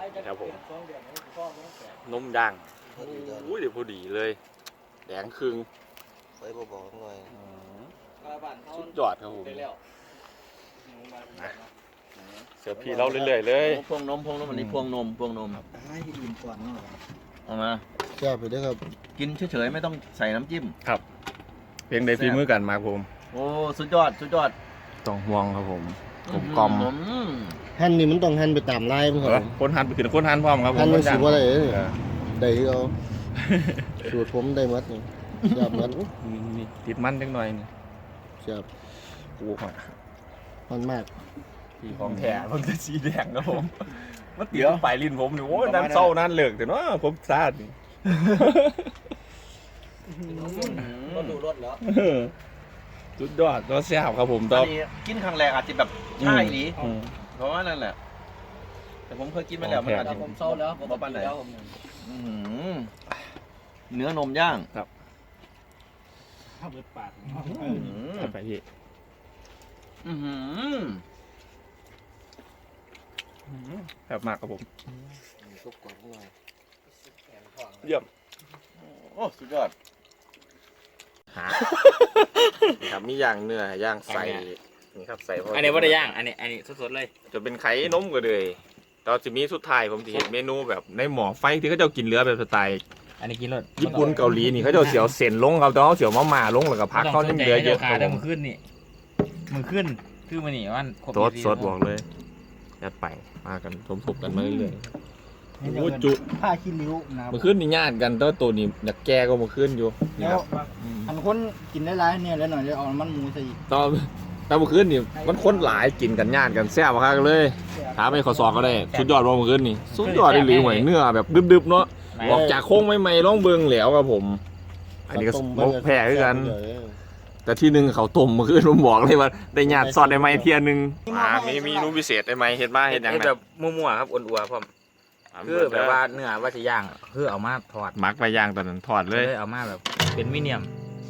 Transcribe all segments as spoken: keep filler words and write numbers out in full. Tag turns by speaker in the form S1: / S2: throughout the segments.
S1: ครับผมนมย่างอุ้ยเดี๋ยวพอดีเลยแดงครึ่ง
S2: ไว้บอกหน่อย
S1: สุดยอดครับผมเสือพี่เราเรื่อยๆเลย
S3: พวงนมพวงนมอันนี้พวงนมพวงนมให้ดื่มก่อนเอามา
S2: แซ่บไปด้วยครับ
S3: กินเฉยๆไม่ต้องใส่น้ำจิ้ม
S1: ครับเพียงใดฝีมือกันมาผม
S3: โอ้สุดยอดสุดยอด
S1: ต้องห่วงครับผมกลมกล่อม
S2: หั่นนี่มันต้องหั่นไปตามลายมั้งครับ
S1: คนหั่นไปถึงคนหั่นพร้อมครับผม
S2: หั่นมันสิว่าอะไรได้ที่เอาสูตรผมได้หมดนี่แซ่บหมด
S1: นี่ติดมันจังหน่อยนี่
S2: แซ่บ
S1: โอ้โห
S2: มันมาก
S1: ที่ของแท้มันจะสีแดงครับผมมันติดปลายลิ้นผมนี่โอ้ยนั่นเศร้านั่นเลิกแต่เนาะผมซาดนี่
S3: ก็ดูรสแล้ว
S1: สุดยอดรสแซ่บครับผมตอน
S3: กินครั้งแรกอาจจะแบบใช่ดีเพราะว่านั่นแหละแต่ผมเคยกินมาแล้วมันอาจจะ
S4: ผมเศร้าแล้วผม
S3: บ้านไหนเนื้อนมย่าง
S1: ครับ
S4: ข้าวเบิดปาก
S1: ไปพี่แบบมากครับผมเยี่ยม
S3: โอ้สุดยอด
S1: ครับมีย่างเนื้อย่างใส่นี่ครับใส่
S4: อันนี้ว่าได้ย่างอันนี้อันนี้สดๆเลย
S1: จะเป็นไข่นมก็เลยตอนจะมีสุดท้ายผมจะเห็นเมนูแบบในหม้อไฟที่เขาจะกินเนื้อแบบสไตล์
S4: อันนี้กินรส
S1: ญี่ปุ่นเกาหลีนี่เขาจะเสียวเส้นลงเขาจะเอาเสียวมะม่าลงแล้วก็ผักเขาเนื้อเยอะ
S4: ขาเดิมขึ้นนี่มือขึ้นคือมันนี่มัน
S1: สดสดบอกเลยยัดไปมากันสมทบกันมาเรื่อยๆโอ้จุ
S2: ผ้าขี้ริ้ว
S1: มือขึ้นนี่ญาติกันตัวตัวนี้อยากแก่ก็มือขึ้นอยู่
S2: แล้วอันคนกินได้หลายเนี่ยแล้วหน่อยจะเอามันหมูใส่
S1: ตอนแต่มือขึ้นนี่มันคนหลายกินกันญาติกันแซ่บมากเลยถามไปขอสอบก็ได้สุดยอดว่ามือขึ้นนี่สุดยอดเลยหรือหวยเนื้อแบบดึบๆเนาะออกจากโค้งไม่ๆร้องเบิงเหลวครับผมอันนี้ก็แพ้ด้วยกันแต่ที่หนึ่งเขาต้มมาขึ้นผมบอกเลยว่าได้ญาติซอดได้ไหมเทียนึงอ่ามีมีนูพิเศษได้ไหมเห็นบ้าเห็นยังไง
S4: แบบมั่วๆครับอ้วนๆพร้อมคือแบบว่าเนื้อว่าจะย่างคือเอามาทอด
S1: มักไปย่างตอนนั้นทอดเลย
S4: เอามาแบบเป็นมิเนียม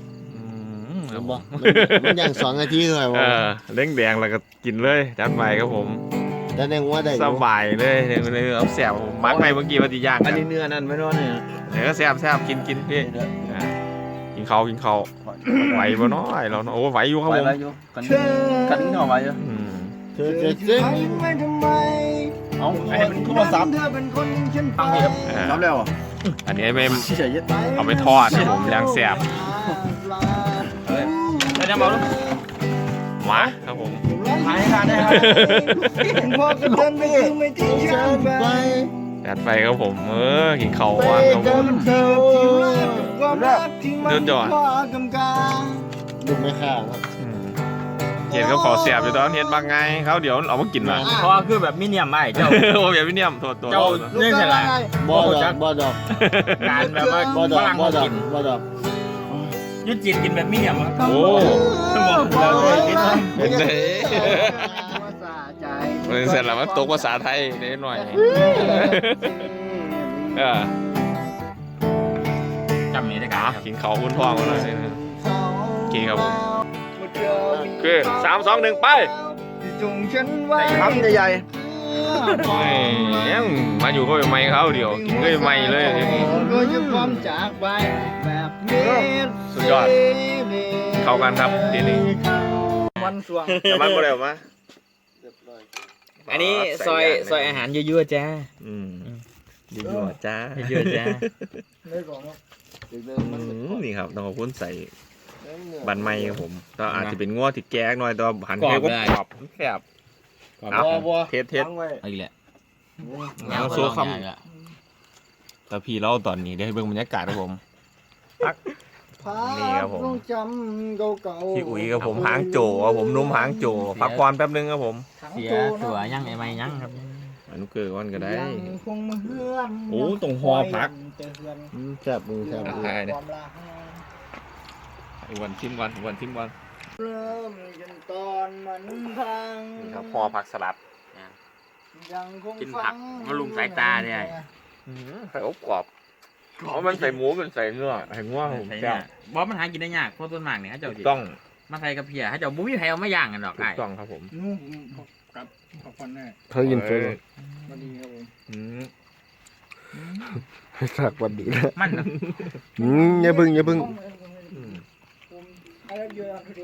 S2: มันย่างสองนาทีเลย
S1: เออเล้งแดงแล้วก็กินเลยจัดไปครับผม
S2: แต่แดงว่าได้
S1: สบายเลยเนี่ยเนื้อแซ่บผมมักไปเมื่อกี้ว่าจะย่าง
S3: อันนี้เนื้อนั่นไม่รอดเนี่ย
S1: เดี๋ยวก็แซ่บแซ่บกินกินพี่กินเขากินเขาไหวบ่น้อยเราโอ้ไหวอยู่ครับผม
S3: ไหวอยู่กันกันนี่หน่อไหวอยู่
S2: เธอจะเจ๊ง
S3: เอาไอ้เป็นโทรศัพท์ฟังพี่ครับรับแล้ว
S1: อันนี้ไม่เอาไปทอดนะผมย่างแซ่บ
S4: ได้ยังบอกลูก
S1: มาครับผม
S3: ทานให้ทานได้ครับ
S2: พ่อก็เดินไปคือไม่ทิ้งฉันไป
S1: จัดไปครับผมเออกินเขาว่างครับผมเดินจอด
S2: ดูไม่ข้างครับ
S1: เห็นเขาขอเสียบอยู่ตอนเห็นบางไงเขาเดี๋ยวเอามากินมา
S4: เพราะคือแบบมิเนียมไม่เจ้า
S1: โอ้แบบมิเนียมโทษตัว
S4: เจ้าเนี่ยใช่ไหม
S2: บอดอกบอดอก
S4: การแบบว่า
S2: บอดอกบอดอกบอดอก
S4: ยุดจิตกินแบบมิเนียม
S1: โอ้เป็นไงเสร็จแล้วมันตกภาษาไทยนิดหน่อย
S4: จำนี้ได้กัน
S1: กินเขาคุณพ่อมาเลยกินครับผมคือสามสองหนึ่งไป
S3: ทำใหญ่
S1: ยังมาอยู่ก็ไปไม่เขาเดียวกินก็ไปไม่เลยสุดยอดเข้ากันครับทีนี้
S4: วันสวง
S1: แต่มันก็เร็วมา
S4: อันนี้ซอยซอยอาหารยั่วๆจ้า
S1: อืมยั่วๆจ้า
S4: ยั่วๆจ้า
S1: นี่ครับต้องขอบคุณใส่บันไม้ครับผมก็อาจจะเป็นง้อที่แก่หน่อยแต่หันแค่ก็กรอบแคบเทสเทส
S4: อะไรแหละ
S1: แล้วโซ่คำแต่พี่เล่าตอนนี้ได้เบิ่งบรรยากาศครับผมนี่ครับผมพี่อุ๋ยกับผมหางโจครับผมนุ่มหางโจพักผ่อนแป๊บนึงครับผม
S4: เสียตัวยังไอ้ไม่ยังครับ
S1: อนุเกิดวันก็ได้โอ้ตรงหอพัก
S2: แซ่บมือแซ่บมือ
S1: วันทิมวันวันทิมวัน
S2: เริ่มจนตอนมันพัง
S1: นี่ครับหอผักสลัด
S4: กินผักมาลุมสายตาเนี่ย
S1: ไข่อบกรอบเพราะมันใส่หมูมันใส่เนื้อไข่ง่วงผมแซ่
S4: บบอสมันหากินได้ยากเพราะต้นหมากเนี่ยเขาเจ้า
S1: ต้อง
S4: มาไทยกับเพียเขาเจ้าบุ้ยไทยเอาไม่ย่างกันหรอก
S1: ไก่ต้องครับผม
S2: ก
S5: ครับขอบคุณแน่
S2: เขายินตัว
S5: มาดีครับผม
S1: อืม
S2: ให้สักวันดีนะ
S4: มันนะ
S2: อืมอย่าพึ่งอย่าพึ่ง
S1: อืม
S5: ผมอะไรเยอะพอดี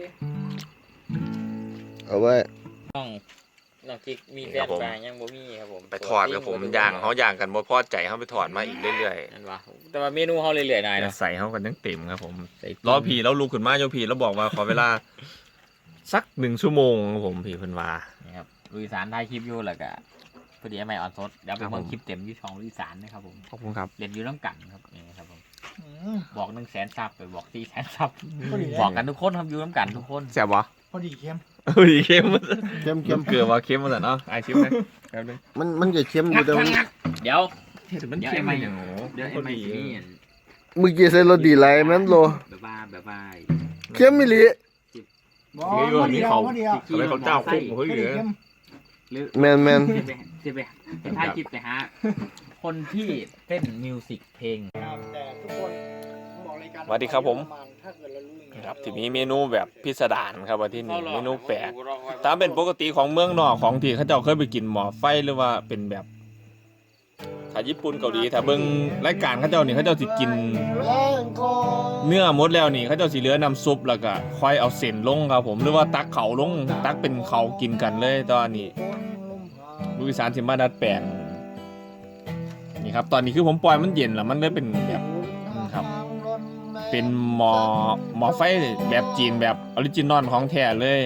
S2: เอาไว้
S4: น้องน้องกิ๊กมีแฟนไปยังบ่มีครับผม
S1: ไปถอดกับผมย่างเขาย่างกันบ่พอใจเขาไปถอดมาอีกเรื่อย
S4: นั่นวะแต่ว่าเมนูเขาเรื่อยๆหน่อย
S1: ๆ
S4: นะ
S1: ใส่เขากันทั้งเต็มครับผมรอผีแล้วลุกขึ้นมาโยผีแล้วบอกว่าขอเวลา สักหนึ่งชั่วโมงครับผมผีเพิ่นว่า
S4: นี่ครับลุยสารถ่ายคลิปอยู่แล้วก็พอดีไอ้ใหม่ออนสดเดี๋ยวไป
S1: ครับผม
S4: เบิ่งคลิปเต็มอยู่ช่องลุยสารนะครับผม
S1: ขอบคุณครับ
S4: เรียนอยู่น้ำกันครับนี่ครับผม
S5: อืม
S4: บอกหนึ่งแสนซับไปบอกสี่แสนซับ
S5: พอดี
S4: บอกกันทุกคนครับอยู่น้ำกันทุกคน
S1: แซ่บวะ
S5: พอดีเข้ม
S1: เฮ้ยเค็ม
S2: เข้ม
S1: เค็
S2: เข้
S1: ม
S2: ม
S1: เกลือว่าเค็มมาแต่เนาะไอชิมเลยแป๊บนึง
S2: มันมันจะเข้มอยู่แต่มัน
S4: เดี๋ยว
S1: เฮ้ยแต่มันเค็มอย่างโอ้โห
S4: เดี๋ยวไอ้ใหม่สินี่
S2: เมื่อกี้ใส่รสดีไรแม่นโล
S4: แบบว่าแบบว่า
S2: เข้มมิลิ
S5: บอกพอดีเอาพอดีเอา
S1: ทำไมเขาเจ้าคุกเฮ้ย
S5: พอ
S1: เห
S5: ดี
S1: ลือ
S5: เข้ม
S4: หรือ
S2: แมนแมน
S4: จะไปจะไปจะถ่ายคลิปไปหาคนที่เต้นมิวสิกเพลง
S5: ครับแต่ทุกคนบอกรายการ
S1: สวัสดีครับผม
S5: ถ้าเกิดเรารู้อย่างเงี้ย
S1: ครับที่มีเมนูแบบพิสดารครับว่าที่นี่เมนูแปลกตามเป็นปกติของเมืองนอกของที่เขาเจ้าเคยไปกินหมอไฟหรือว่าเป็นแบบถ้าญี่ปุ่นเกาหลีถ้าเบิ่งรายการเขาเจ้านี่เขาเจ้าสิกิน เนื้อหมดแล้วนี่เขาเจ้าสิเหลือน้ำซุปแล้วก็ค่อยเอาเส้นลงครับผมหรือว่าตักเขาลงตักเป็นเขากินกันเลยตอนนี้ลูกอีสานสิมาดัดแปลงนี่ครับตอนนี้คือผมปล่อยมันเย็นแล้วมันเลยเป็นแบบครับ เป็นหมอหมอไฟแบบจีนแบบออริจินอลของแท้เลย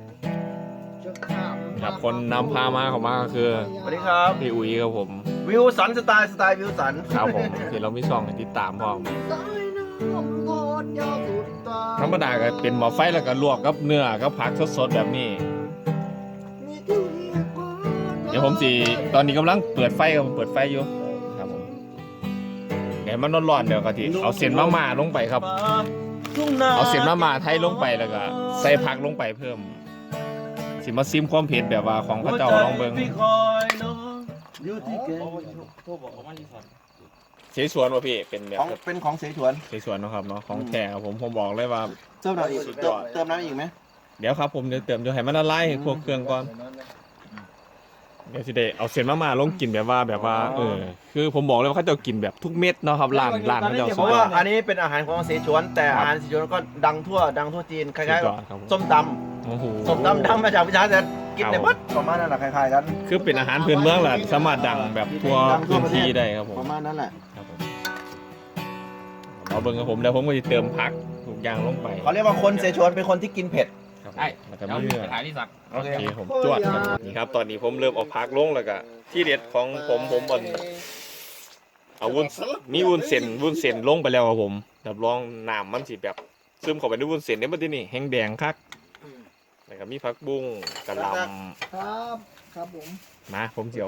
S1: ครับคนนำพามาเข้ามาก็คือ
S3: สวัสดีครับ
S1: พี่อุ๋ยครับผม
S3: วิวสันสไตล์สไตล์วิวสัน
S1: ครับผมที่เรามีช่องให้ติดตามพร้อมธรรมดาก็เป็นหมอไฟแล้วก็ลวกกับเนื้อกับผักสดๆแบบนี้ เดี๋ยวผมสิตอนนี้กำลังเปิดไฟครับผมเปิดไฟอยู่ครับผมเดี๋ยวมันร้อนๆเดี๋ยวก็ทีเอาเส้นมาม่าลงไปครับ เอาเส้นมาม่าไทยลงไปแล้วก็ใส่ผักลงไปเพิ่มสิมาซิมความเผ็ดแบบว่าของพระเจ้าลองเบิ่ง
S3: อยู่ที่เก
S1: เสฉวนว่ะพี่เป็นแบบ
S3: ของเป็นของเสฉวน
S1: เสฉวนเนาะครับเนาะของแท้ครับผมผมบอกเลยว่า
S3: เติมน้ำอีก
S1: สุดย
S3: เติ
S1: อ
S3: ม
S1: ด
S3: เติมน้ำอีกไหม
S1: เดี๋ยวครับผมเดี๋ยวเติมเดี๋ยวให้มันละลายให้พวกเครื่องก่อนเดี๋ยวสิได้เอาเส้นมาม่าลงกินแบบว่าแบบว่าเออคือผมบอกเลยว่าเขาจะกินแบบทุกเม็ดเนาะครับร้านร้านเขาจะ
S3: เพ
S1: สุด
S3: ราะ
S1: ยอ
S3: ว่า
S1: ด
S3: อันนี้เป็นอาหารของเสฉวน แต่
S1: ครับ
S3: อาหารเสฉวนก็ดังทั่วดังทั่วจีนค
S1: สุ
S3: ล้าย
S1: ดยอดครับผม
S3: ๆส้มต
S1: โอ้โห
S3: ำส้มตำดังมาจากพิชาแต่กินในวัดประมาณนั้นแหละคล้ายๆกัน
S1: คือเป็นอาหารพื้นเมืองแหละสามารถดังแบบทั่ว
S3: ดังทั่
S1: พื้
S3: วน ประเทศ
S1: ที่ได้ครับผม
S3: ประมาณนั้นแหละ
S1: ครับผมเอาเบิ่งกับผมแล้วผมก็จะเติมผักทุกอย่างลงไป
S3: เขาเรียกว่าคนเสฉวนเป็นคนที่กินเผ็ด
S1: ครับผม
S4: ไอ้
S1: แล้วก็
S4: เดี๋ยว
S1: มีเนื้อ
S4: ไปถ่ายที่สัก
S1: โอเคผมจวดครับนี่ครับตอนนี้ผมเริ่มเอาผักลงแล้วก็ที่เด็ดของผมผมบนเอาวุ้นมีวุ้นเส้นวุ้นเส้นลงไปแล้วครับผมรับรองน้ำมันสิแบบซึมเข้าไปในวุ้นเส้นเนี่ยมันที่นี่แห้งแดงคักแล้วก็มีผักบุ้งกะหล่
S5: ครับครับผม
S1: ำมาผมสิเจียว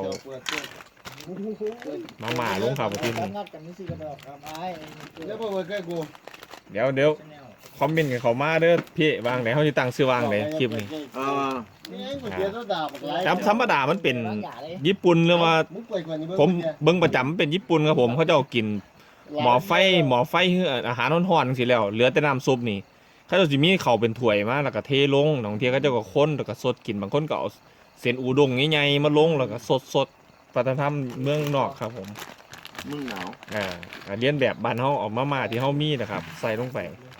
S1: มาหม่าลงครับที่นี่
S5: งัดกันนี่สิกระดอกครับไอ้
S2: แล้วพอมาใกล้กู
S1: เดี๋ยวเดี๋ยวคอมเมนต์กันเขามาเด้อพี่วางไหนเขาจะตั้งชื่อวางไหนคลิปนี้
S3: เออ
S2: นี่ไอ้ก๋วยเตี๋ยวโซดาบักหลาย
S1: จำธรรมดามันเป็นญี่ปุ่นหรือว่า
S2: มึงเปิดก่อนนี่
S1: ผมเบิ่งประจำเป็นญี่ปุ่นครับผมเขาจะเอากินหมอไฟหมอไฟคืออาหารร้อนๆสิแล้วเหลือแต่น้ำซุปนี่เขาจะสิมีเขาวเป็นถ้วยมาแล้วก็เทลงบางทีเขาจะก็คนแล้วก็สดกินบางคนก็เอาเส้นอูด้งใหญ่ๆมาลงแล้วก็สดๆวัฒนธรรมเมืองนอกครับผม
S3: มึงหนาว
S1: อ่าเรียนแบบบ้านเฮาเออกมาม่าที่เฮามีนะครับ ใส่ลงไป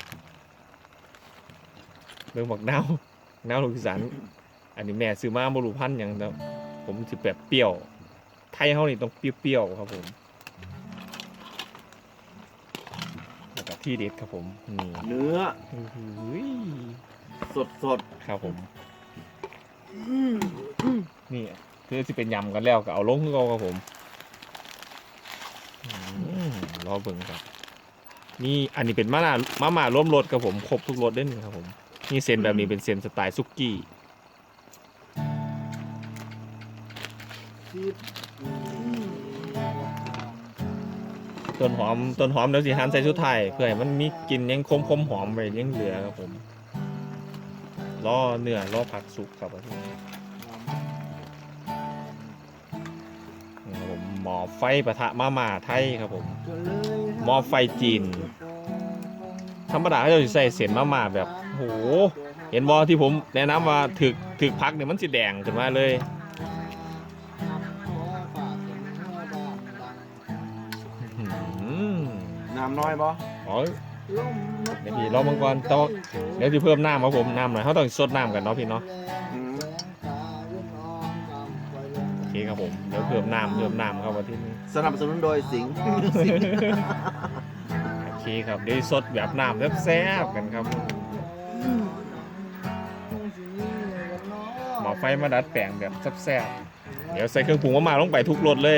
S1: เบิ่งบักนาวนาวลูกอีสานอันนี้แม่ซื้อมาบ่รู้พันธุ์หยังแต่ผมสิแบบเปรี้ยวไทยเฮานี่ต้องเปรี้ยวๆครับผมแล้วก็ที่เด็ดครับผมนี่
S3: เนื้อ
S1: อื้อหือ
S3: สดสด
S1: ครับผมนี่คือสิเป็นยำกันแล้วก็เอาลงคือเก่าครับผมอืมรอเบิ่งครับนี่อันนี้เป็นมะนาวมะม่าร่วมรสครับผมครบทุกรสได้นี่ครับผมนี่เส้นแบบนี้เป็นเส้นสไตล์ซุกี้ต้นหอมต้นหอมเดี๋ยวสิหั่นใส่ชุดไทยเพื่อให้มันมีกลิ่นยังคมคมๆหอมไปยังเหลือครับผมรอเนื้อรอผักสุกครับผมครับผมหม้อไฟปะทะมาม่าไทยครับผมหม้อไฟจีนธรรมดาเขาจะใส่เส้นมาม่าแบบโหเห็นบอที่ผมแนะนำว่าถึกถึกพักเนี่ยมันสีแดงขึ้นมาเลย
S5: ค
S3: น้ำน้อยปะ
S1: อ๋อเดี๋ยวพี่รอมังกรแต่ว่าเดี๋ยวจะเพิ่มน้ำครับผมน้ำหน่อยเขาต้องสดน้ำกันเนาะพี่เนาะโอเคครับผมเดี๋ยวเพิ่มน้ำเพิ่มน้ำเข้ามาที่นี่
S3: สนับสนุนโดยสิงห์
S1: โอเคครับเดี๋ยวสดแบบน้ำแซ่บๆกันครับหมอไฟมาดัดแปลงแบบแซ่บๆเดี๋ยวใส่เครื่องปรุงมาๆลงไปทุกรสเลย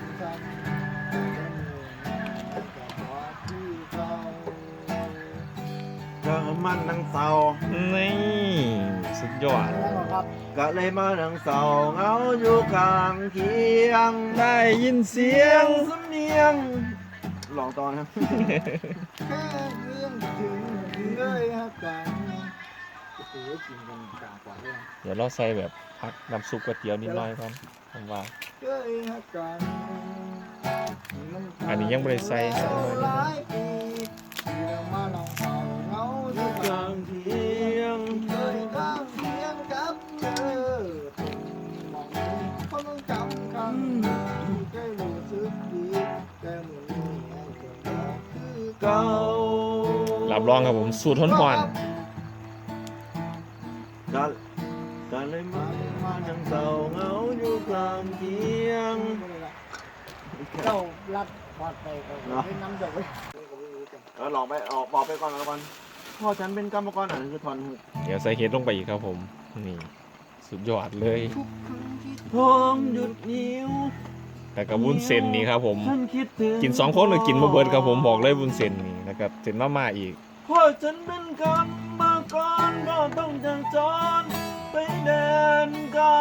S3: ก็มันนังเศร้า
S1: นี่สุดยอด
S3: ก็เลยมานังเศร้าเหงาอยู่กลางเคียง
S1: ได้ยินเสีย
S3: เสีย
S1: ง
S3: งสำเนียงลองตอนนะ
S5: แค่เรื่องถึงเลยฮะกันโอ้โหกินกันกลางกว่าเลย
S1: เดี๋ยวเราใส่แบบพักน้ำซุปก๋วยเตี๋ยวนิดหน่อยก่อนผมว่า
S5: เคยฮะกัน
S1: อันนี้ยังไม่ได้ใส่ใส่หน่อยนิดนึง
S5: หลายปีที่เรามาลองเอาเงาอยู่
S3: ก
S5: กลา
S3: ลาง งเคียง
S5: เคยข้างเคียงกับเธอมองดูเขาต้องจำคำที่เคยรู้สึกดีแต่เหมือนมีให้เธอคือเก่า
S3: เก่า
S1: รับรองครับผมสูตรทนหวาน
S3: ก็ก็เลยมามานังเศร้าเหงาอยู่กลางเคียง
S5: เจ้ารัดพอดไปก็ไม่น้ำดอกไว้
S3: เออลองไปออกบอกไปก่อนแล้วกันพ่อฉันเป็นกรรมกรอ่านคือทอนหุก
S1: เดี๋ยวใส่เห็ดลงไปอีกครับผมนี่สุดยอดเลย
S3: ทองหยุดนิ้ว
S1: แต่กับวุ้นเส้นนี่ครับผม
S3: ฉันคิดถึง
S1: กินสองคนหรือกินมาเบิร์ดครับผมบอกเลยวุ้นเส้นนี่นะครับเส้นมาม่าอีก
S3: พ่อฉันเป็นกรรมกรก็ต้องจังจรไปแดนไกล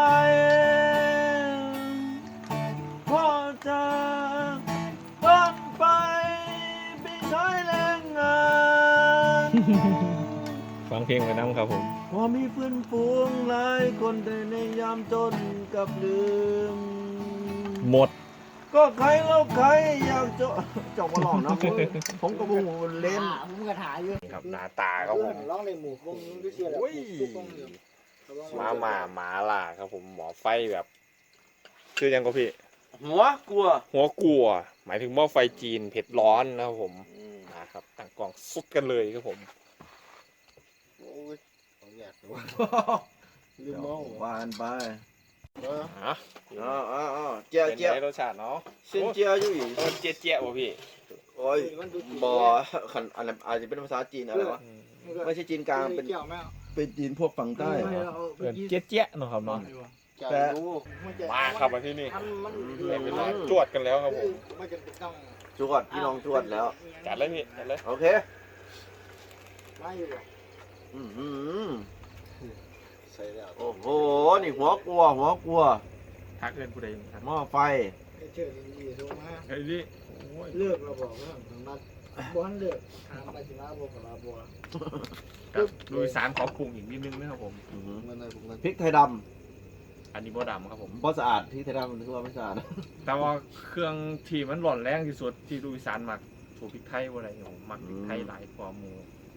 S3: พ่อจะต้องไปไปใช้แรงงาน
S1: ฟังเพลงไปน้ำครับผม
S3: พอมีเพื่อนฝูงหลายคนแต่ในยามจนกับลืม
S1: หมด
S3: ก็ใครแล้วใครอยากจะจบมาหลอกนะผมผมก็บุ้งเล่น
S5: ผมก็ถ่ายอยู่
S1: ครับหน้าตาครับผม
S5: ร้องในหมู่วงด้วยเชียร์แบบ
S1: โอ้ย
S5: ทุกวงอยู่
S1: มาม่าหมาล่าครับผมหมอไฟแบบคือยังก็พี่
S3: หัวกลัว
S1: หัวกลัว หมายถึงหม้อไฟจีนเผ็ดร้อนนะครับผมนะครับต่างกล่องสุดกันเลยครับผม
S2: โอ้ยของอยากดูลืมมอง
S3: วานไป
S2: เออ
S1: ฮะ
S3: อ๋ออ๋ออ๋อเจีย
S1: เป็น
S3: เจีย
S1: ไงรสชาติเนาะ
S3: เส้นเจียอยู่อีก
S1: โอ้เจี๊ยเจี๊ยบ่พี่
S3: โอ้ยบอขันอะไรอาจจะเป็นภาษาจีนอะไรวะไม่ใช่จีนกลางเป็น
S5: เกี่ยวไหม
S3: เป็นจีนพวกฝั่งใต้
S1: เอิ้นเจี๊ยเจี๊ยเนาะครับเนาะ
S2: จะรู้
S1: มาครับมาที่นี่
S5: มันมัน
S1: ได้เวลาจวดกันแล้วครับผม
S5: มันจะต้อง
S3: จวดพี่น้องจวดแล้ว
S1: จัดเลยพี่จัดเลย
S3: โอเค
S5: ไม่อยู่หรอก
S3: อือหือ
S2: ใส่แล้ว
S3: โอ้โหนี่หัวกลัวหัวกลัว
S1: ทักเอิ้นผู้ใดทัก
S3: หม้อไฟ
S5: เชื่อดีๆถูกไหม
S1: เฮ้ยนี่โอ้ย
S5: เลิกเราบอกว่าทางนัดบ้านเลิกทางไปสิมาบอกกับเราบัว
S1: ครับดูอีสานขอปรุงอีกนิดนึงนะครับผม
S3: อื้อหือ
S2: มันอะไรพวกนั้น
S3: พริกไทยด
S1: อันนี้บ่ดำครับผม
S3: ำเพราะสะอาดพริกไทยดำมันคือว่าไม่สะอาด
S1: แต่ว่าเครื่องที่มันหล่อนแรงที่สุดที่ดูอีสานมักสูตรพริกไทยว่าอะไรเนี่ยผมมักพริกไทยหลายกว่าหมู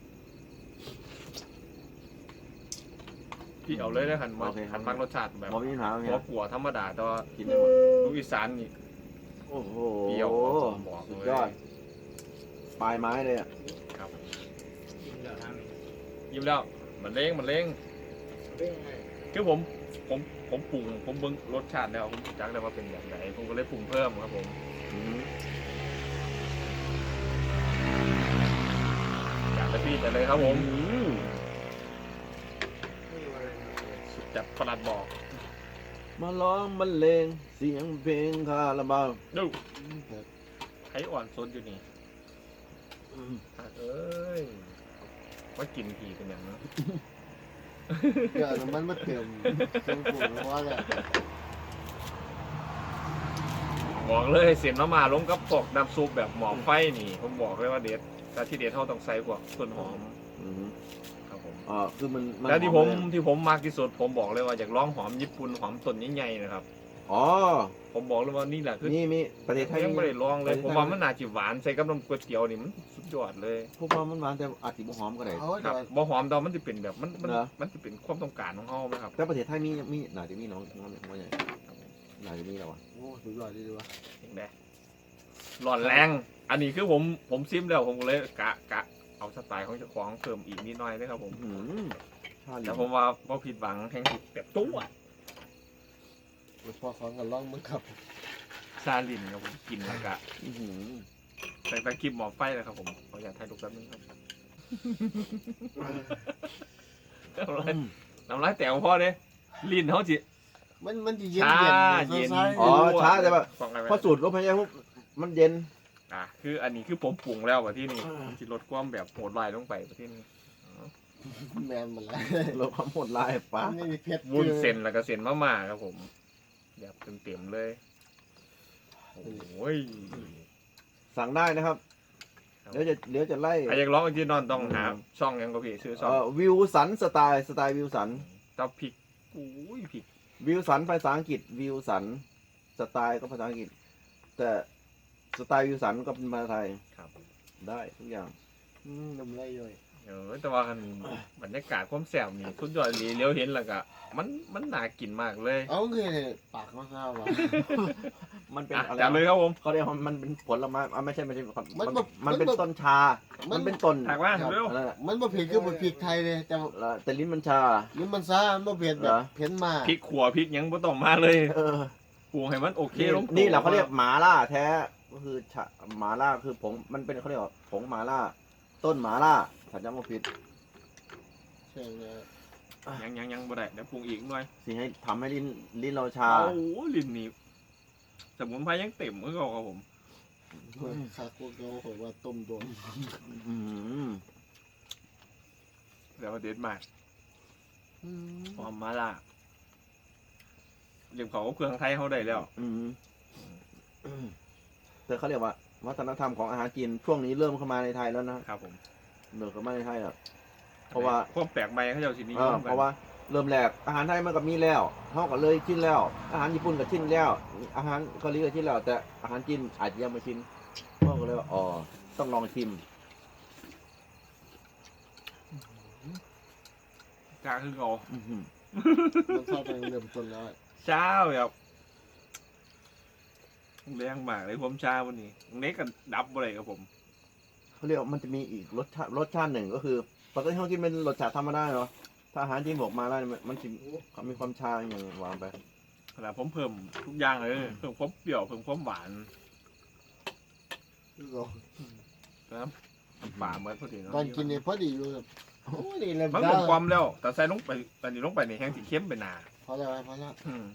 S1: พี่เอาเลยได้หันมาหันมักรสชาติแบบ
S3: มองไม่มีปัญหา
S1: หั
S3: เนี่
S1: วย กัวธรรมดาแต่ว่า
S3: กินได้หมด
S1: ดูอีสานนี่
S3: โอ้โห
S1: เปรี้ยวผมบอกเลย
S3: สุดยอดปลายไม้เลยอ่ะ
S1: ครับ
S5: กินเดี๋ยวทาง
S1: ยิ้มแล้วมันเล้งมันเล้ง
S5: เป็นยังไง
S1: คือผมผมผมปรุงผมเบิ่งรสชาติแล้วผมจักได้ว่าเป็นแบบไหนผมก็เลยปรุงเพิ่มครับผม
S3: อื้อหือ
S1: อยากจะพี่แต่เลยครับผม
S3: อืม
S5: ไม่อยู่อะไรนะ
S1: สุดจัดประหลัดบอก
S3: มาร้องบรรเลงเสียงเพลงคาราบาว
S1: ดูไข่อ่อนสดอยู่นี่
S3: อืม
S1: เอ้ยว่ากินผีกันอย่างเนาะ
S2: เดี๋ยวน้ำมันมาเติมเครื่องปรุงว่าเนี่ย
S1: บอกเลยเสียนมามาลงกับพวกน้ำซุปแบบหมอไฟนี่ผมบอกเลยว่าเด็ดแต่ที่เด็ดเท่าต้องใส่พวกต้นหอม
S3: อือหือ
S1: ครับผม
S3: อ่าคือมันน
S1: แล้วที่
S3: ห
S1: ผม
S3: เลย
S1: ที่ผมมากที่สุดผมบอกเลยว่าอยากลองหอมญี่ปุ่นหอมต้นใหญ่ๆนะครับ
S3: อ๋อ
S1: ผมบอกเลยว่านี่แหละคือ
S3: นี่มีประเทศไทย
S1: ยังไม่ได้ลองเลย
S3: ประเทศไทย
S1: ผมว่ามันน่าจะหวานใส่กับน้ำก๋วยเตี๋ยวนี่มันสุดยอดเลย
S3: พวกมันหวานแต่อาจจะบ่หอมก็ได้
S2: เอา
S1: ค
S2: แต่
S1: รับบ่หอมแต่ว่ามันจะเป็นแบบมันมัน
S3: เหรอ
S1: มันจะเป็นความต้องการของเขาไหมครับ
S3: แต่ประเทศไทยมีมีน่าจะมีน้องน้องน้องใหญ่น่าจะมีแล้วอ่ะ
S2: โอ้สุดยอดดีดีวะ
S1: เห็นไหมร้อนแรง
S2: ข
S1: อันนี้คือผมผมซิมแล้วผมก็เลยกะกะเอาสไตล์ของเจ้าของเพิ่มอีกนิดหน่อยนะครับผม
S2: อืมชา
S1: แต่ผมว่าพอผิดหวังแห่งผิดแบบตู้อะ
S2: พอของกันล่องมึงครับ
S1: ซาลินครับผมกินแล้วก็
S2: อื้อหือ
S1: ไปไปคลิปหมอไฟเลยครับผมขออยากถ่ายรูปแป๊บนึงครับน้ำลายน้ำลายแตกของพ่อเนี่ยลิ้นเขาจิ
S2: มันมันจะเย็น
S1: ชา
S2: เย็น
S1: เย็น
S2: ซ้ายๆอ๋อช้าแต่แบบ
S1: ฟังอะไรไหม
S2: พอสูตรลมหายใจปุ๊บมันเย็น
S1: อ่ะคืออันนี้คือผมปรุงแล้วว่าที่นี่มันจะลดความแบบโหดร้ายลงไปว่าที่นี่
S2: แมนหมันแล้วลดความโหดร้ายป้าไม่มีเพชร
S1: วุ้นเส้นแล้วก็เส้นมะม่าครับผมแบบเต็มๆเลยโอ้ย
S2: สั่งได้นะครับ เดี๋ยวจะเดี๋ยวจะไล่
S1: ใครอยากร้องที่นอนต้องหาช่องยังก็พี่ชื่อช่อง
S2: เอ่อวิวสันสไตล์สไตล์วิวสัน
S1: เต้าพริกอุ้ยพริก
S2: วิวสันภาษาอังกฤษวิวสันสไตล์ก็ภาษาอังกฤษ แต่สไตล์วิวสันก็เป็นภาษาไทย
S1: ครับ
S2: ได้ทุกอย่างอืมนมไล่ย่อย
S1: เออแต่ว่ามันบรรยากาศความแซ่บนี่สุดยอดเลยเลี้ยวเห็นแล้วก็มันมันน่ากินมากเลย
S2: เอาคือปากข้าวๆว่ะ มันเป็น
S1: อ่ะ
S2: อะไร
S1: จัดเลยครับผม
S2: เขาเรียกว่ามันเป็นผลไม้อ่ะไม่ใช่ไม่ใช่มัน
S5: มัน
S2: มัน
S5: แบบ
S2: มันเป็น
S5: มันแบบ
S2: ต้นชา มันเป็นต้น
S1: ถากว่า
S2: ครับ
S1: เร็ว
S2: นั่นแหละ
S5: มันบ่เผ็ดคือบ่พริกไทยเลยแต่
S2: แล้วแต่ลิ้นมันชา
S5: ลิ้นมันซ่ามันบ่เผ็ดแบ
S2: เหร
S5: บ
S2: อ
S5: เผ็ดมาก
S1: พริกขัวพริกหยังบ่ต้องมาเลย
S2: เออ
S1: ปรุงให้มันโอเค
S2: นี่
S1: ลงตัว
S2: นี่แหละเขาเรียกหมาล่าแท้ก็คือชาหมาล่าคือผงมันเป็นเขาเรียกว่าผงหมาล่า ต้นหมาล่าถ้าจำไม่ผิด
S5: ใช่เลย
S1: ยังยังยังบ่ได้เดี๋ยวปรุงอีกหน่อย
S2: สิให้ทำให้ลิ้นลิ้นเราชา
S1: โอ้โหลิ้นนี่สมุนไพรยังเต็มมือเขาครับผม
S5: คาโกโกโหว่าต้มโดน
S2: อืม
S1: เดี๋ยวมาเด็ดมากหอมมาล่าเรียกเขาก็เครื่องไทยเขาได้แล้ว
S2: อืมอืมแต่เขาเรียกว่า วัฒนธรรมของอาหารจีนช่วงนี้เริ่มเข้ามาในไทยแล้วนะครับ
S1: ผม
S2: เริ่มเข้ามาในไทยแล้ว เพราะว่า
S1: ความแปลกใหม่เขาเจ้าสินิย
S2: เออ
S1: มกัน
S2: เพราะว่าเริ่มแรกอาหารไทยมันก็มีแล้วเขาก็เลยชินแล้ว อาหารญี่ปุ่นก็ชินแล้ว อาหารเกาหลีก็ชินแล้ว แต่อาหารจีนอาจจะยังไม่ชินเขาก็เลยว่าอ๋อต้องลองชิม
S1: กาคือเขา
S2: อื้อหือ
S5: มันเข้าไปเริ่มต้นแล้ว
S1: เช้าแบบแรงมากเลยผมเช้าวันนี้เน็กกันดับอะไรกับผม
S2: เขาเรียกว่ามันจะมีอีกรสชาติรสชาติหนึ่งก็คือปกติเขากินเป็นรสชาติธรรมดาเนาะถ้าอาหารจีนบอกมาได้มันมันจะมีความชาอย่างวางไป
S1: ขนาดผมเพิ่มทุกอย่างเลยเพิ่มความเปรี้ยวเพิ่มความหวาน
S5: คือเรา
S1: นะครับป่าเหมือนพอดีเนาะ
S5: ตอนกินเนี่ยพอดีอยู่แบบโอ้ยนี่เลย
S1: มันหมดความแล้ว แต่ใส่ลงไปตอนนี้ลงไปในแห้งสีเข้มไปหนา
S5: พอแล้วพอแล้ว
S1: อืม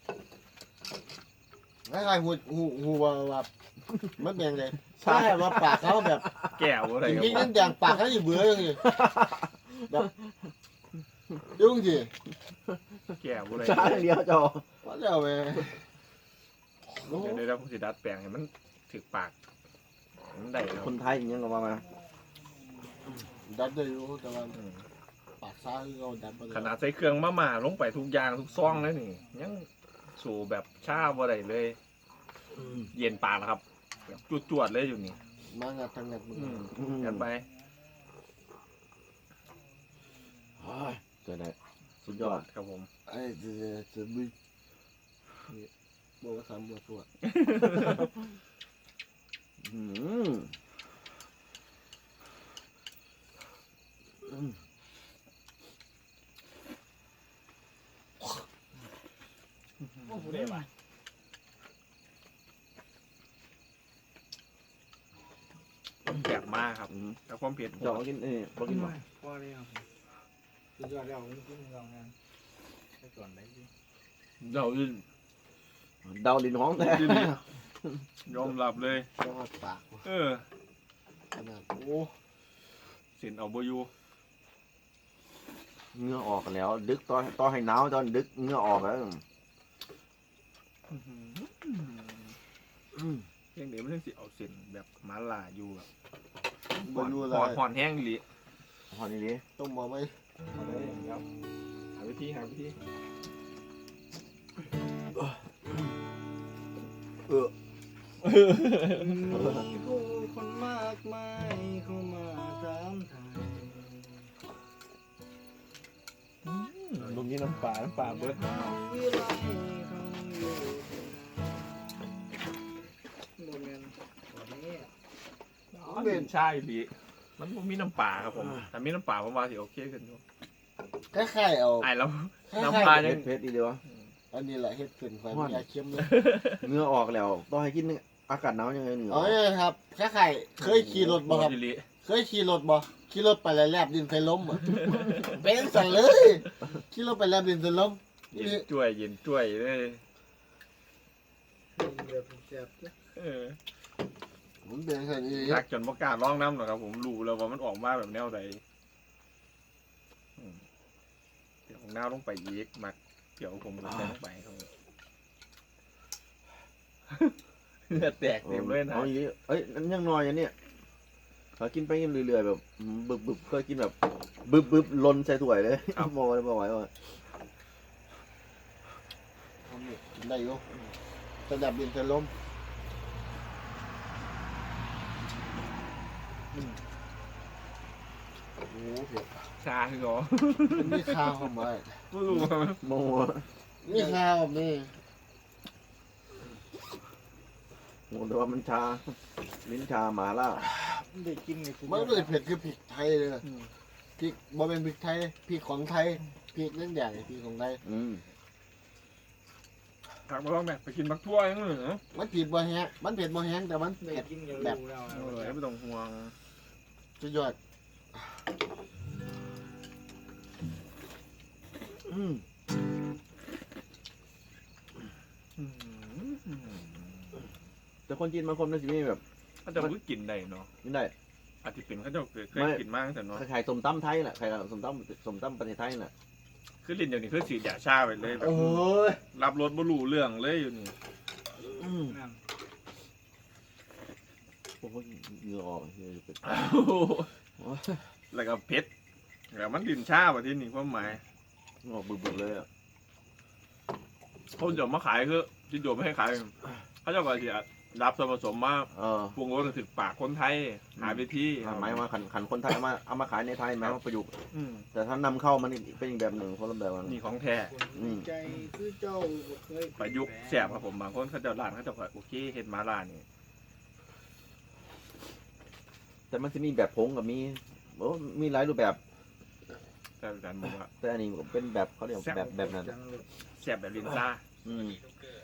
S5: คล้ายๆหูหูหูว่าแบบมันเป็นไงใช่ว่าปากเขาแบบ
S1: แก้วอะไร
S5: จ
S1: กับ
S5: ริง
S1: ผ
S5: ๆนั่
S1: ม
S5: นอย่างปากเขาอยู่เบื่ออย่างนี้แบบยุ่งสิ
S1: แก้วอะไร
S2: ชาอย่างเดียวจอ
S5: พอแล้วเว้ยโอ้
S1: เดี๋ยวเดี๋ยวเราสิดัดแปลงให้มันถึกปากมันได้แล้ว
S2: คนไทยอย่างเงี้ยก็ว่ามา
S5: ดับได้อยู่แต่ว่า
S1: อืม
S5: ปากซ้ายเราดับไป
S1: ขนาดใส่เครื่องมาม่าลงไปทุกอย่างทุกซองแล้วนี่ยังสู่แบบชาบ่ได้เลย เย็นปากนะครับแบบจวดๆเลยอยู่นี่
S5: มางัดทางงัดมือ
S1: อืม
S2: อืม
S1: กันไป
S2: โอ้ยเกิดอะไรสุดยอด
S1: ครับผม
S5: ไอ้เจะจะบึ้นี่บอกว่าสามบัวสวด
S2: อืมอืม
S1: โอ้โหได้ป่ะแซ่บมากครับ
S2: อืม
S1: แต่ความเผ็ด
S2: จอกินเอ้ยบอกกินหวาน
S3: พอเลยครับสุดยอดแล้วผมกินลองงานไปก่อนได้ดิ
S1: เดาดิน
S2: เดาลิ้นห้องแท้
S1: ยอมรับเลย
S5: ยอดปากว่ะ
S1: เออ
S5: ขนาดโอ้
S1: เส้นเอาบอยู่
S2: เหงื่อออกแล้ว ดึกตอนตอนให้หนาวตอนดึกเหงื่อออกแล้วอืม
S1: เพียงเดี๋ยวมันสิเอาเส้นแบบมาลาอยู่แบบ
S5: บอยู่เล
S1: หอน
S5: ย
S1: หอนแห้งอีหลี
S2: พอนี้ดิ
S5: ต้องมองไหม
S1: เอาเลยครับหาวิธีหาวิธี
S2: เออ
S5: มีผู้คนมากมายเข้ามาถามไทย
S1: ลงนี้น้ำปลาน้ำปลาเบิด
S5: วิไลเขาอยู่โมเมนต์วันนี้
S1: มัน
S5: เป็
S1: เป็น นชาอีหลีมันบ่มีน้ำปลาครับผมแต่มีน้ำปลาผมว่าสิโอเคขึ้นอยู่
S5: คล้ายๆเอา
S1: ไอ้แล้ว
S5: คล้ายๆ
S1: น้ำปลา
S2: เพ
S1: ยัง
S2: ชรเพชรอีเดียว
S5: อันนี้แหละเฮ็ดขึ้นความยาเค็มเลย
S2: เหงื่อออกแล้วต้องให้กินอากาศหนาวยังไงเหงื่ออ
S5: เอา
S2: อก
S5: เลยครับคล้ายๆเคยขี่รถบ่ครับ
S1: อีหลี
S5: เคยขี่รถบ่ขี่รถไปแล้วแลบดินใส่ล้มอ่ะ เป็นสั่นเลยขี่รถไปแลบดินใส่ล้ม
S1: เย็นจ้วยเย็นจ้วยเลยเออ
S5: ผมเป็นสั่นอี
S1: ทักจนบ่กล้าร้องน้ำหรอกครับผมรู้แล้วว่ามันออกมาแบบแนวใดอืมเดี๋ยวของน้าลงไปอีกมักเดี๋ยวผมจะใส่ลงไปครับผมเหงื่อแตกเต็มเลยนะ
S2: เอาอย่างนี้เอ้ยนั่นยังน้อยอันเนี้ยเขากินไปกินเรื่อยๆแบบบึบบึบเคยกินแบบบึบบึบลนใส่ถ้วยเลยมองเลยมองไหวว่า
S5: กินได้อยู่ระดับดินใส่ล้มโอ้โหเผ็ด
S1: ชาคือเหรอ
S5: มันมีข้าวเข้ามา
S1: ไม่รู้ว่ามัน
S2: มอง
S5: มีข้าวนี่
S2: มองแต่ว่ามันชาลิ้นชาหมาล่า
S3: ได้กินนี่คือ
S5: มันก็เลยเผ็ดคือพริกไทยเลยพริกบ่เป็นพริกไทยพริกของไทยพริกนั่นใหญ่พริกของไทย
S2: อืม
S1: ผักมาลองแบบไปกินบักทั่วยังเหรอ
S5: มันเผ็ดบ่แห้งมันเผ็ดบ่แห้งแต่มัน
S3: ได้
S5: เผ็ด
S3: กินกัน
S5: แบบ
S3: รู้แล้ว
S1: เออไม่ต้องห่วง
S5: สุดยอด
S2: อืม
S1: อืม
S2: แต่คนจีนบางคนมันจะมีแบบ
S1: เขาจะรู้กินได้เนาะ
S2: นี่ได้
S1: อาจจะเป็นเขาจะเคย
S2: ไม่
S1: กินมากแต่เนาะ
S2: คล้ายๆสมตำไทยแหละคล้ายๆสมตำสมตำประเทศไทยน่ะ
S1: คือลิ้นเดี๋ยวนี้คือสีดยาชาไปเลยแบบ
S5: โอ้ย
S1: รับรสบ่รู้เรื่องเลยอยู่นี่
S2: อืม
S3: นั่น
S2: โอ้โหเหงื่อออกเหงื่อเป็น
S1: แล้วก็เผ็ดแล้วมันลิ้นชาแบบที่นี่ความหมาย
S2: ออกบึกๆเลยอ่ะ
S1: เขาจะมาขายคือที่โยมไม่ให้ขายเขาเจะก็จะรับส่วนผสมมา
S2: เออ
S1: ปรุงรสถึงปากคนไทยหาวิธี
S2: หมายว่าขันขันคนไทยเอามาเอามาขายในไทยหมายว่าประยุกต์
S1: อืม
S2: แต่ถ้านำเข้ามันเป็นอีกแบบหนึ่งคนละแบบกัน
S1: นี่ของแท้
S2: อืม
S5: ใจคือเจ้าบ่เคย
S1: ประยุกต์แซ่บครับผมบางคนเขาเจะร้านเขาเจะก็โอเคเห็ดมาร้านนี่
S2: แต่มันจะมีแบบผงกับมีโอ้มีหลายรูปแบบ
S1: แต่การบอกว่า
S2: แต่อันนี้เป็นแบบเขาเรียกแบบแบบนั้น
S3: จังเลย
S1: แซ่บแบบลิ้นชา
S2: อืม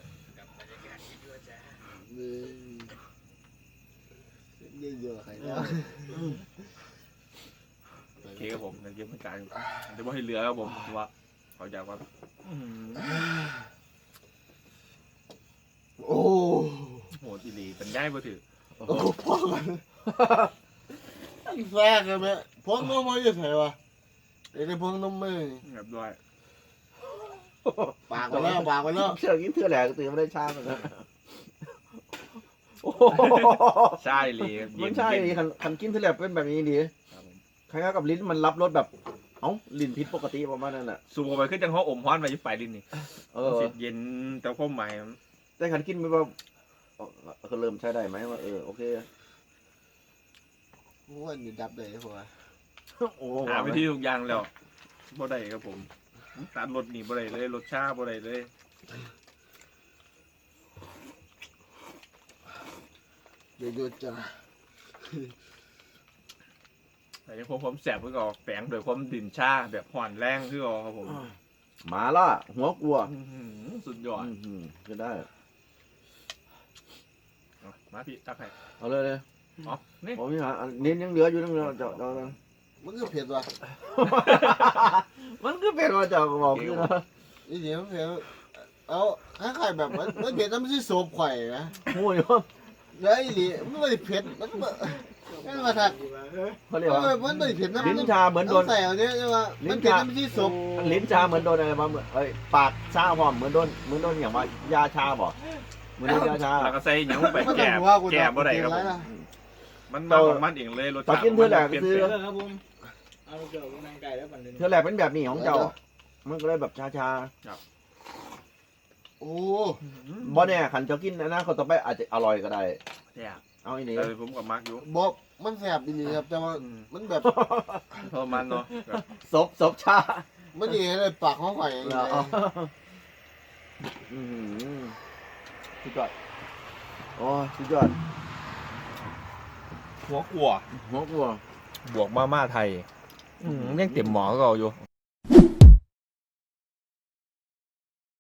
S5: นี่เยอะใครแล้ว
S1: โอเคครับผมในเกมเหมือนกันเดี๋ยวว่าให้เหลือครับผมว่าเขาอยากว่าอื้อหือ
S5: โอ้
S1: โหดอีหลีเป็นง่ายบ่ถือ
S2: โอ้
S5: โอ้
S2: โห
S5: พ่อกันแซ่กันไหมพวงนมมาอยู่ไหนวะไอ้พวงนมมือ
S1: แบบด้วย
S5: ปากไปแล้วปากไปแล้ว
S2: เชื่อกินเชื่อแหลกตื่นไม่ได้ชาเหมือนกันโอ้โห
S1: ใช่เลย
S2: มันใช่ดิคันคันกินเชื่อแหลกเป็นแบบนี้ดี
S1: ครับผม
S2: คล้ายๆกับลิ้นมันรับรสแบบ เอ้าลิ้นพิษปกติประมาณนั้นแหละ
S1: สูบเข้าไปขึ้นจังห้ออมฮ้อนไปยิ่งไปลิ้นนี่
S2: เอ
S1: มัน
S2: อ
S1: สิเย็นแต่ความหมายมัน
S2: แต่คันกินไปว่าเออก็เริ่มใช้ได้ไหมว่าเออโอเค
S5: ว่าอยู่ดับเลยหัว
S2: โอ้
S1: หาวิธีทุกอย่างแล้วบ่ได้ครับผมตัดรสนี่บ่ได้เลยรสชาบ่ได้เลย
S5: เดี๋ยวหยุดจ้ะ
S1: แต่ยังผมผมแสบเพื่อก็แฝงโดวยความดิ่นชาแบบห่อนแรงคือเอาครับผม
S2: หมาล่าหัวกลัว
S1: อื้อหือสุดยอด
S2: อืมอืมก็ได้
S1: เอามาพี่ตักให้
S2: เอาเลยเลย
S1: อ๋อนี่
S2: ผมนี่หาอันนี้ยังเหลืออยู่ยังเหลือเจาะเจาะ
S5: มันก็เผ็ดว่ะ
S2: มันก็เป็นว่าเจาะก็บอกคือนะ
S5: นี่เดี๋ยวเผ็ดเอาคล้ายๆแบบมันมันเผ็ดแล้วมันสิโสบไข่นะ
S2: หูยว่า
S5: แล้วไอ้นี่มันไม่ได้เผ็ดมันมันมันมาถัก
S2: เขาเรียกว่า
S5: มันไม่ได้เผ็ดนะ
S2: ลิ้นชาเหมือนโดน
S5: ใส่เอาเนี้ยใช่ไหม
S2: ลิ้
S5: มัน
S2: น
S5: เผ็ด
S2: ชา
S5: แล้วมันสิโสบ
S2: ลิ้นชาเหมือนโดนอะไรมาเหมือนเอ้ยปากชาหอมเหมือนโดนเหมือนโดนอย่างว่ายาชาบ่เหมือนโดนยาชา
S1: แล้วก็ใส่หยังลงไป
S5: มัน
S1: แก
S5: ต้อง
S1: บ
S5: ว่ากู
S1: แกบบ่ได้ครับผม
S5: นะ
S1: มันมาของมันเองเลยรส
S2: ตอน
S1: ชาติ
S2: กินเพื่อแหลก
S1: ปลี่ยน
S2: ซื้อ
S1: แปลง
S3: ครับผมเอาเกี่ยวกับนางไก่แล้วปั่นเลย
S2: เธอแหละเป็นแบบนี้ของเจ้า มันก็เลยแบบชาชา
S5: โอ้
S2: ๆบ่เนี่ยขันเจ้ากินนะนะเขาต่อไปอาจจะอร่อยก็ได้
S1: แซ่บ
S2: เอาอีนี่
S1: แต่ผมกับมาร์กอยู่
S5: บอกมันแสบดีครับแต่ว่า
S1: อืม
S5: มันแบบ
S1: ทรมานเนาะแบบ
S2: ศพศพชา
S5: มันดีเลยปากเขาไข่อย่าง
S2: เหร
S5: เงี้
S2: อย อ๋ออืมสุดยอดโอ้ยสุดยอด
S1: หัวกลัว
S2: หัวกลัว
S1: บวกมาม่าไทยอืมยังเต็มหมอก็เอาอยู่